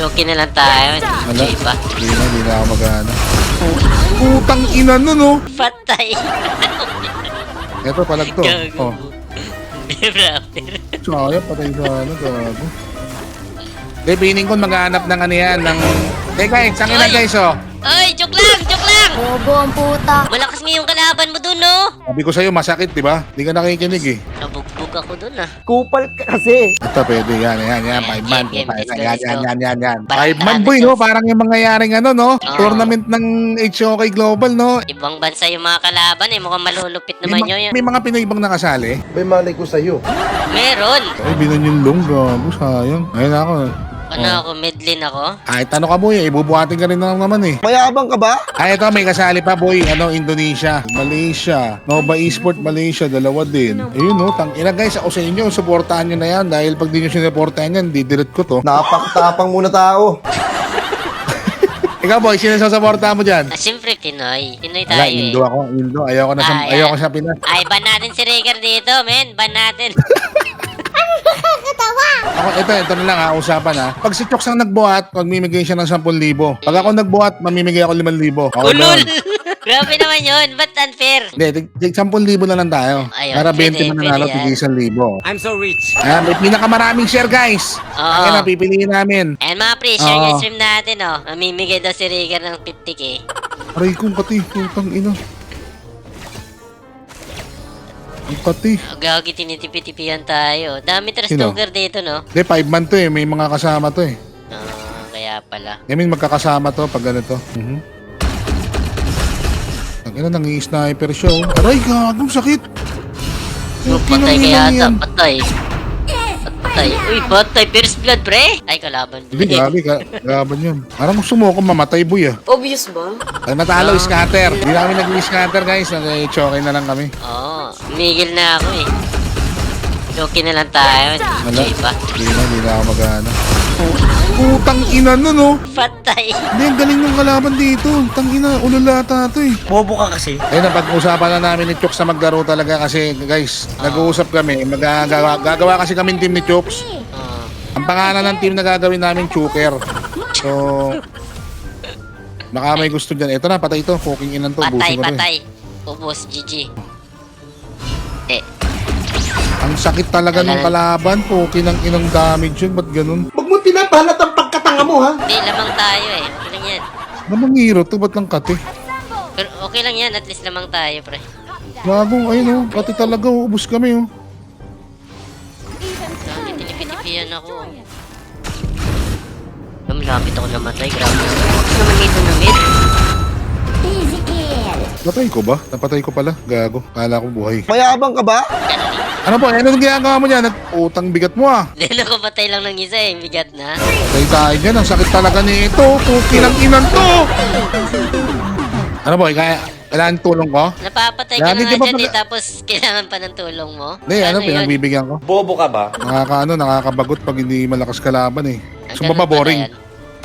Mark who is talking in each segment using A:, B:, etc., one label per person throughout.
A: Okay na lang tayo.
B: Wala.
A: Joy pa.
B: Hindi na ako mag-ano. Putang ina nun, oh.
A: Patay.
B: Eto, palag to.
A: Gago.
B: Oh.
A: Brother.
B: Sayang, patay sa ano, gago. Hindi, piling ko maghanap ng ano yan, ng... guys, sangin na guys, oh.
A: Ay, joke lang, joke lang.
C: Bobo ang puta.
A: Malakas nga yung kalaban mo dun, no?
B: Sabi ko sa'yo, masakit, di ba? Hindi ka nakikinig, eh.
A: Nabugbog ako dun, ah.
D: Kupal ka kasi.
B: Ito, pwede, yan. 5 man.
A: Game, let's go,
B: Yan.
A: Parang
B: 5 man,
A: tarado
B: boy,
A: to.
B: no? Parang yung mangyayaring ano, no?
A: Oo.
B: Tournament ng HOK Global, no?
A: Ibang bansa yung mga kalaban, eh. Mukhang malulupit naman yun.
B: May mga Pinoy bang nakasali?
D: May malay ko sa'yo.
A: Meron.
B: Ay, binan yung long, gago, sayang. Ayun ako.
A: Ano ako, medlin ako?
B: Kahit ano ka, boy, ibubuhatin ka rin naman, eh.
D: Mayabang ka ba?
B: Ay, ito, may kasali pa, boy. Ano, Indonesia, Malaysia, Nova Esport Malaysia, dalawa din. Ayun, no, tangina, guys, ako sa inyo, supportahan nyo na yan. Dahil pag di nyo sinuportahan yan, didelete ko to.
D: Napakatapang muna tao.
B: Ikaw, boy, sino sasaportahan mo dyan?
A: Siyempre, Pinoy. Pinoy
B: Wala,
A: tayo, eh.
B: Indo ako, Indo. Ayoko na sa,
A: Ah,
B: ayoko
A: yan.
B: sa Pinas.
A: Ay, ban natin si Rhaegar dito, men. Ban natin.
B: Ito na lang ha, usapan ha. Pag si Choks ang nagbuhat, magmimigay siya ng 10,000. Pag ako nagbuhat, mamimigay ako 5,000. Okay,
A: Ulol!
B: doon.
A: Grabe naman yun. Ba't unfair?
B: Hindi, 10,000 na lang tayo.
A: Ayun,
B: Para 20
A: pwede,
B: mananalo,
A: pwede yan.
B: tigil 1,000.
E: I'm so rich.
B: Ayan, may pinakamaraming share, guys.
A: Oo.
B: Ayan na, pipiliin namin.
A: And mga pre, share
B: Oo.
A: yung stream natin, oh. Mamimigay daw si Rhaegar ng 50k.
B: Aray kong kati, putang ina. Ang kati.
A: Gagi, tinitipi-tipihan tayo. Dami trust
B: Sino?
A: talker dito, no?
B: Hindi, 5 man to eh. May mga kasama to eh.
A: Kaya pala.
B: I mean, magkakasama to pag ganito. Ang ina, nangi-sniper siya oh. Aray, gagong sakit.
A: So,
B: Puti
A: patay
B: ng
A: kaya
B: ina
A: ata.
B: yan.
A: Patay. Patay. Uy, patay. First blood, pre. Ay, kalaban.
B: Hindi, gabi, gaban yun. Parang gusto mo ako mamatay, boy ah.
C: Obvious ba?
B: Pag natalo, scatter. Hindi namin nag-scatter, guys. Nag-choke na lang kami.
A: Oo. Migil na ako, eh. Okay na lang tayo.
B: Wala.
A: Joy pa.
B: Hindi na ako mag-ano. Putang ina nun, oh.
A: Patay.
B: Hindi, ang galing ng kalaban dito. Tang ina, ululata to eh.
E: Bobo ka kasi.
B: Ayun, napag-usapan na namin ni Chooks na maglaro talaga kasi, guys, nag-uusap kami. Gagawa kasi kami team ni Chooks.
A: Oo.
B: Ang pangalan ng team na gagawin namin, Choker. So, baka may gusto dyan. Ito na, patay ito. Fucking inan to.
A: Patay,
B: Busin ko to eh.
A: patay. Ubus, GG.
B: Ang sakit talaga ng kalaban. Fucking ang inang damage yun. Ba't ganun?
D: Huwag mo pinapalat ang pagkatanga mo, ha?
A: Hindi, lamang tayo, eh. Okay lang yan.
B: Namang hero to. Ba't lang kati?
A: Pero okay lang yan. At least lamang tayo, pre.
B: Gagong, ayun oh. Kati talaga. Ubus kami oh.
A: Grabe, tinipitipihan ako. Malapit ako namatay. Grabe naman. Bakit naman dito na mid?
C: Easy kill.
B: Napatay ko ba? Napatay ko pala. Gago. Kala ko buhay.
D: Mayabang ka ba?
B: Ano po? Ano yung ginagawa mo dyan? Utang bigat mo ah.
A: Lalo ko patay lang ng isa, eh. Bigat na.
B: Patay tayo dyan. Ang sakit talaga nito. Fucking ang inan to. Ano po? Kailangan tulong ko?
A: Napapatay ka
B: Grabe,
A: na
B: di
A: nga
B: ba
A: dyan,
B: pag-
A: eh. Tapos kailangan pa ng tulong mo.
B: Hindi, ano,
A: yun?
B: pinagbibigyan ko.
E: Bobo ka ba?
B: Nakakabagot pag hindi malakas kalaban eh.
A: Ah,
B: So,
A: ganun
B: baba
A: pala
B: boring.
A: yan.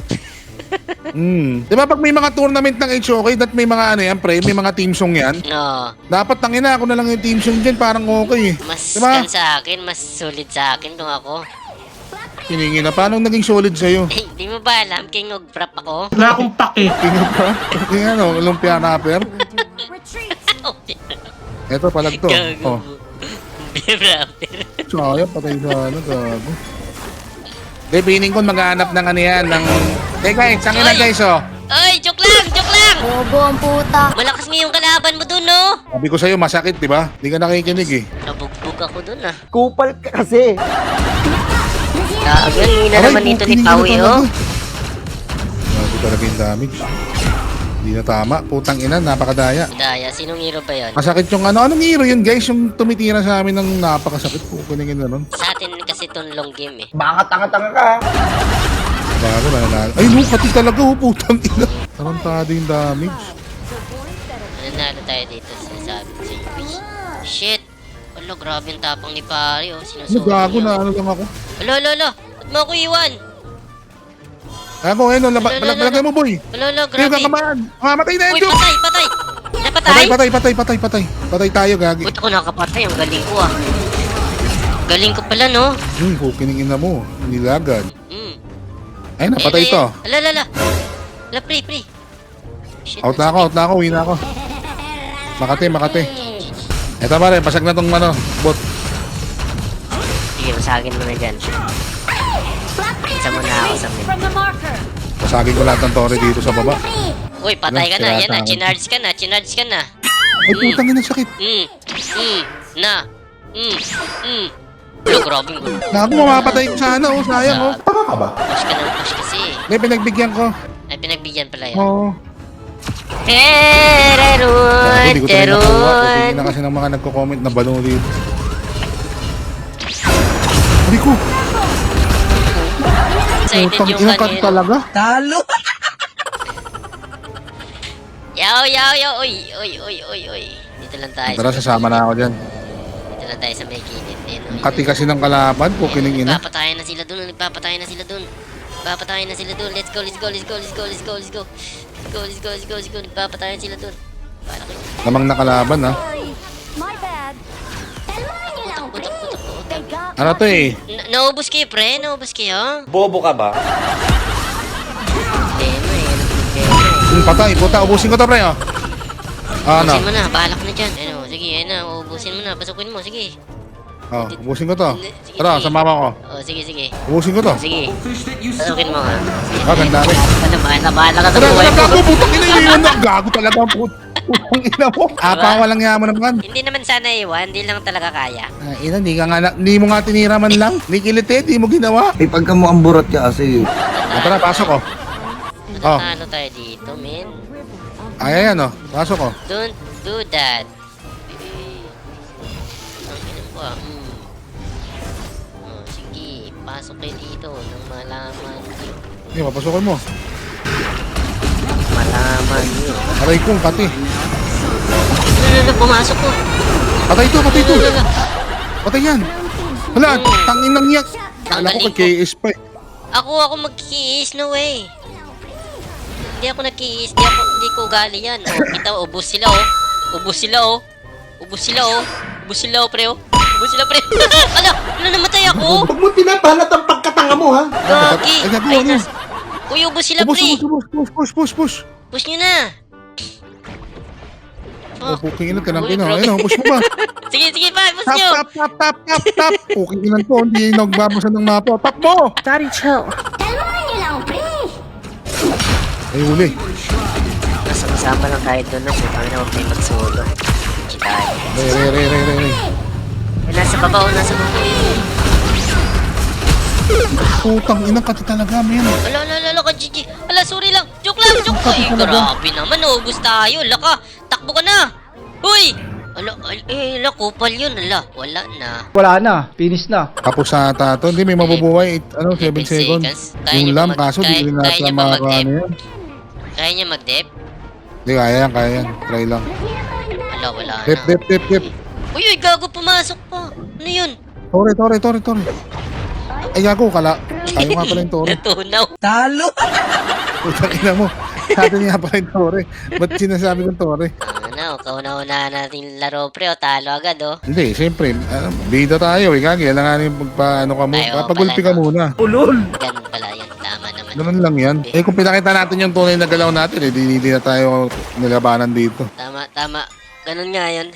B: Di ba pag may mga tournament ng HOK, that may mga ano yan, pre, may mga team song yan.
A: No.
B: Dapat tangina ako na lang yung team song dyan, parang okay eh.
A: Mas
B: Diba?
A: kan sa akin, mas solid sa akin kung ako.
B: Hiningi na, paano naging solid sa'yo?
A: Eh, di mo ba alam, king of prop ako?
E: Wala akong pake.
B: Tingnan pa? Tingnan ano, lumpia rapper. Eto, palag to. Oh.
A: Brother.
B: Sayang, patay sa ano, gago. Hindi, piling ko maghanap ng ano yan, ng... guys, sangin na guys, oh.
A: Ay, joke lang, joke lang!
C: Bobo ang puta.
A: Malakas nga yung kalaban mo dun, no?
B: Sabi ko sa'yo, masakit, di ba? Hindi ka nakikinig eh.
A: Nabugbog ako dun, ah.
D: Kupal ka kasi.
A: Gagal, hindi na
B: Aray,
A: naman dito ni
B: kinig
A: Pawi,
B: na
A: oh.
B: talaga. Grabe talaga yung damage. Hindi na tama. Putang ina, napakadaya.
A: Daya, sinong hero ba yun?
B: Masakit yung ano. Anong hero yun, guys? Yung tumitira sa amin ng napakasakit. Kukuningin na nun.
A: Sa atin kasi itong long game, eh.
D: Baka tanga-tanga ka, ha?
B: Bago na nanalo. Ay, no, pati talaga, oh, putang ina. Tarantado yung damage.
A: Nanalo tayo dito, sinasabi ko sa inyo. Shit! Alo, grabe yung tapang ni Pari, oh.
B: Ano,
A: Sinusuot
B: gago
A: niya.
B: na ano lang ako.
A: Alo. Ba't mo ako iwan?
B: Ako, ayun, balagay mo, boy.
A: Alo,
B: Kayo
A: grabe.
B: kakamaan. Mamatay na
A: Uy,
B: yun, Joe.
A: patay! Napatay?
B: Patay tayo, gagi.
A: Buti ko nakapatay, ang galing ko, ah. Galing ko pala, no?
B: Kukiningin na mo. Nilagad. Ayun na, patay ito.
A: Ala. Ala, pre. Shit.
B: Out na ako, uwi na ako. Makati. Eto pare, pasag na tong ano, bot.
A: Sige, masagin mo na dyan. Isa mo na ako sa mid.
C: From the marker.
B: Pasagin ko lahat ng torre dito sa baba.
A: Uy, patay ka na.
B: Sira
A: Yan na,
B: sa akin.
A: chinarge ka na.
B: Ay, putang ina, sakit.
A: Lo, grabe yung gulo.
B: Naku, mamapatay ko sana, oh, sayang, oh.
D: Tanga ka ba?
A: Push ka ng push kasi.
B: May pinagbigyan ko.
A: Ay, pinagbigyan pala yun.
B: Oo.
A: Tererun,
B: Hindi ko talaga nakuha.
A: terun.
B: Hindi na kasi ng mga nagko-comment na balo dito. Hindi ko.
A: Excited
B: Putang
A: yung
B: ina ka
A: kanina.
B: talaga.
A: Yaw. Uy. Dito lang tayo.
B: Tara, sasama na ako dyan.
A: Dito lang tayo sa may kilid.
B: Ang kati kasi ng kalaban, pukining ina.
A: Nagpapatayan na sila dun. Let's go. Nagpapatayan sila dun. Para kayo.
B: Lamang na kalaban, ha.
C: My bad. Kalmahan niyo lang, pre.
A: Putak.
C: Teka.
B: Ano to eh?
A: Naubos kayo, pre? Naubos kayo?
E: Bobo ka ba?
B: Patay, puta, ubusin ko to, pre, oh. Ano?
A: Ubusin mo na, balak na dyan. Sige, ubusin mo na. Pasukin mo, sige.
B: Oh, ubusin ko to.
A: Sige,
B: Tara,
A: sige.
B: sumama ko.
A: Sige.
B: Ubusin ko to.
A: Sige. Pasukin mo, ha?
B: Ah, ganda rin.
A: Bahala ka sa
B: Tara,
A: buhay mo.
B: gago, putang ina, yun na. Gago talaga ang putang ina mo. Apa, walang yaman naman.
A: Hindi naman sana iwan, hindi lang talaga kaya.
B: Ina, hindi mo nga tinira man lang. Ni kilite, di mo ginawa.
D: Eh, pagka mo ang burat ka kasi.
B: Tara, pasok, oh. Oh.
A: Ano tayo dito, men?
B: Ay, ayan, oh. Pasok, oh.
A: Don't do that. Ang ina mo, sige, pasok kayo dito nang malaman nyo.
B: Hindi, papasukin mo.
A: Malaman nyo.
B: Aray kong kati.
A: Pumasok ko.
B: Patay to. Patay yan. Hala, tangin ng yak. Kala ko kay KS pa eh.
A: Ako magkiis, no way. Hindi ako nagkiis, hindi ko ugali yan. Kita mo, ubos sila, pre, Ano, namatay ako?
D: Huwag mo pinapalat ang pagkatanga mo, ha?
A: Gagi.
B: Ay, gago,
A: Ay,
B: ano?
A: Uy, ubos sila,
B: Push.
A: pre. Push nyo na.
B: Oh, puking ina, tinang
A: Uy,
B: ina.
A: grabe.
B: Ayun, push mo ba?
A: Sige pa, push nyo.
B: Tap. Puking ina to, hindi nagbabasa ng mapa. Tap mo!
C: Kalmahan niyo lang, pre.
B: Ay, huli.
A: Masama lang tayo doon, no? Kung kami na huwag tayo mag-solo. Chitahan.
B: Re.
A: Nasa baba.
B: Putang ina, kati talaga, men.
A: Ala, ka-GG. Ala, sorry lang. Joke lang. Ay, grabe naman. Ubus tayo. Ala ka. Takbo ka na. Uy! Ala, kupal yun. Ala, wala na.
F: Wala na, finish na.
B: Tapos sa tato, hindi may mabubuhay. 7
A: 7
B: seconds.
A: seconds. Kaya
B: Yung
A: niyo
B: lam,
A: ba
B: kaso di rin
A: kaya
B: natin
A: niyo ba
B: makakaano
A: mag-dep?
B: yan.
A: Kaya niya mag-dep?
B: Hindi, kaya yan. Try lang.
A: Ala, wala na.
B: Dep.
A: Uy, gago, pumasok pa. Ano yun?
B: Tore. Ay, gago, kala. Tayo nga pala yung tore.
A: Natunaw.
B: Putang ina mo. Sa atin nga pala yung tore. Ba't sinasabi kong tore?
A: Kauna-una natin laro, pre. Talo agad, oh.
B: Hindi, siyempre. Bida tayo. Gagi, alangan yung pagpaano ka mo.
A: Tayo
B: Papagulpi
A: pala,
B: ka
A: no?
B: muna.
A: Ganun pala yan. Tama naman.
B: Ganun lang yan. Eh, kung pinakita natin yung tunay na galaw natin, hindi na tayo nilabanan dito.
A: Tama. Ganun nga yan.